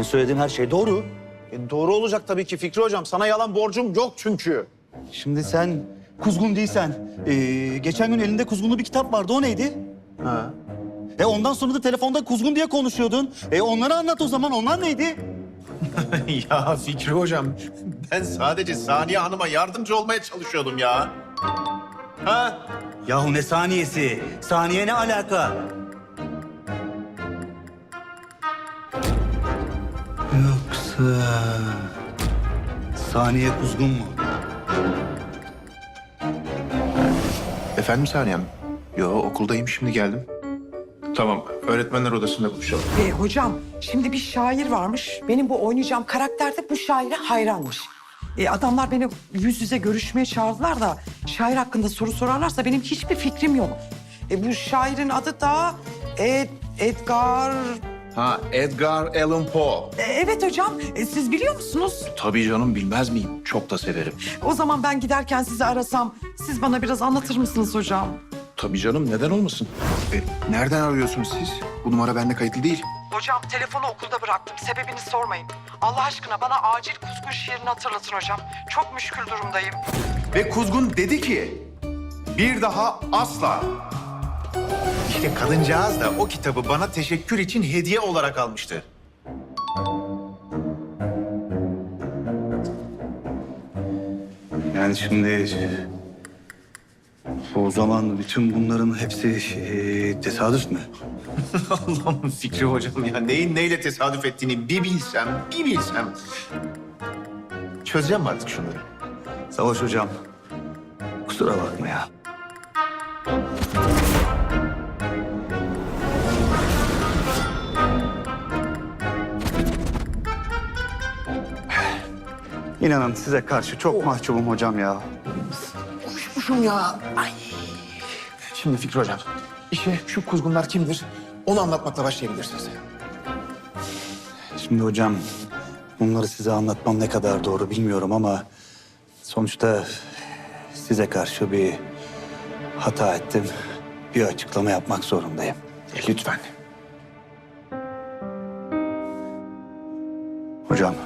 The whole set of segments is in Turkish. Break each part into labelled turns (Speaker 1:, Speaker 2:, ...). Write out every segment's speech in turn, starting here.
Speaker 1: söylediğim her şey doğru.
Speaker 2: Doğru olacak tabii ki Fikri Hocam. Sana yalan borcum yok çünkü.
Speaker 1: Şimdi sen kuzgun değilsen, geçen gün elinde kuzgunlu bir kitap vardı, o neydi?
Speaker 2: Ha.
Speaker 1: Ondan sonra da telefonda kuzgun diye konuşuyordun. Onları anlat o zaman, onlar neydi?
Speaker 2: Ya Fikri Hocam, ben sadece Saniye Hanım'a yardımcı olmaya çalışıyordum ya. Ha?
Speaker 1: Yahu ne saniyesi? Saniye ne alaka? Yoksa Saniye kuzgun mu?
Speaker 3: Efendim Saniye Hanım? Yo, okuldayım, şimdi geldim. Tamam, öğretmenler odasında buluşalım.
Speaker 4: Hocam şimdi bir şair varmış. Benim bu oynayacağım karakter de bu şaire hayranmış. Adamlar beni yüz yüze görüşmeye çağırdılar da şair hakkında soru sorarlarsa benim hiçbir fikrim yok. Bu şairin adı da Edgar...
Speaker 3: Ha, Edgar Allan Poe.
Speaker 4: Evet hocam, siz biliyor musunuz?
Speaker 3: Tabii canım, bilmez miyim? Çok da severim.
Speaker 4: O zaman ben giderken sizi arasam siz bana biraz anlatır mısınız hocam?
Speaker 3: Tabii canım, neden olmasın? Nereden arıyorsunuz siz? Bu numara bende kayıtlı değil.
Speaker 4: Hocam telefonu okulda bıraktım. Sebebini sormayın. Allah aşkına bana acil kuzgun şiirini hatırlatın hocam. Çok müşkül durumdayım.
Speaker 3: Ve Kuzgun dedi ki, bir daha asla.
Speaker 2: İşte kadıncağız da o kitabı bana teşekkür için hediye olarak almıştı.
Speaker 1: Yani şimdi... O zaman bütün bunların hepsi tesadüf mü?
Speaker 2: Allah'ım Fikri Hocam ya, neyin neyle tesadüf ettiğini bir bilsem. Çözeceğim mi artık şunları?
Speaker 1: Savaş hocam, kusura bakma ya. İnanın size karşı çok mahcubum hocam ya.
Speaker 3: Kuşmuşum ya. Ay. Şimdi Fikri Hocam, işe şu kuzgunlar kimdir? Onu anlatmakla başlayabilirsiniz.
Speaker 1: Şimdi hocam, bunları size anlatmam ne kadar doğru bilmiyorum ama... sonuçta size karşı bir hata ettim. Bir açıklama yapmak zorundayım.
Speaker 3: Lütfen.
Speaker 1: Hocam,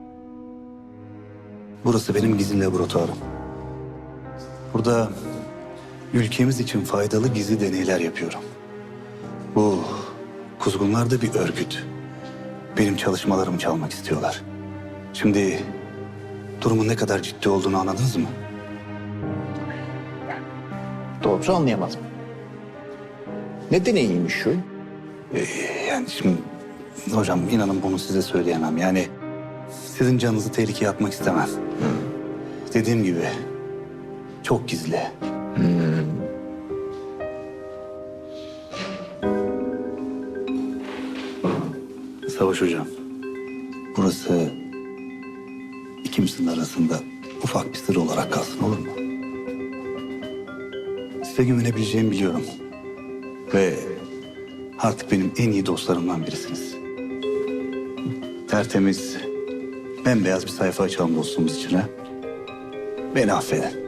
Speaker 1: burası benim gizli laboratuvarım. Burada ülkemiz için faydalı gizli deneyler yapıyorum. Bu kuzgunlar da bir örgüt. Benim çalışmalarımı çalmak istiyorlar. Şimdi durumun ne kadar ciddi olduğunu anladınız mı?
Speaker 3: Doğrusu anlayamadım. Ne deneyiymiş şu?
Speaker 1: Yani şimdi hocam inanın bunu size söyleyemem. Yani sizin canınızı tehlikeye atmak istemem. Dediğim gibi çok gizli. Savaş hocam, burası ikimizin arasında ufak bir sır olarak kalsın, olur mu? Size güvenebileceğimi biliyorum. Ve artık benim en iyi dostlarımdan birisiniz. Tertemiz, bembeyaz bir sayfa açalım dostluğumuz için ha. Beni affedin.